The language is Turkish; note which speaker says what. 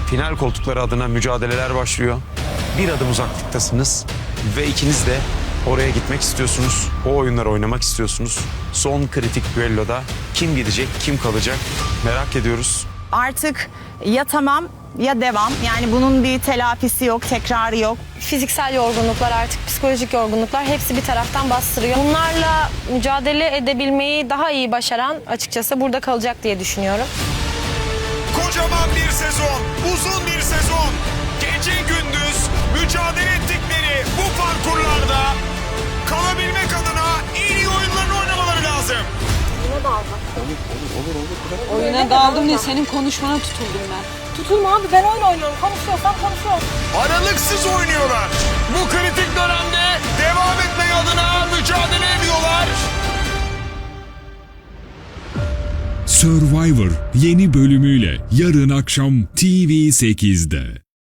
Speaker 1: Final koltukları adına mücadeleler başlıyor. Bir adım uzaklıktasınız ve ikiniz de oraya gitmek istiyorsunuz. O oyunları oynamak istiyorsunuz. Son kritik düelloda kim gidecek, kim kalacak merak ediyoruz.
Speaker 2: Artık ya tamam ya devam. Yani bunun bir telafisi yok, tekrarı yok.
Speaker 3: Fiziksel yorgunluklar, artık psikolojik yorgunluklar hepsi bir taraftan bastırıyor. Bunlarla mücadele edebilmeyi daha iyi başaran açıkçası burada kalacak diye düşünüyorum.
Speaker 4: Kocaman bir sezon, uzun bir sezon. Gece gündüz mücadele ettikleri bu parkurlarda kalabilmek adına en iyi oyunlarını oynamaları lazım.
Speaker 5: Oyuna daldım diye senin konuşmana tutuldum ben.
Speaker 6: Tutulma abi, ben oyun oynuyorum. Konuşuyorsam konuşuyorum.
Speaker 4: Aralıksız oynuyorlar. Bu kritik dönemde devam etmek adına mücadele ediyorlar.
Speaker 7: Survivor yeni bölümüyle yarın akşam TV8'de.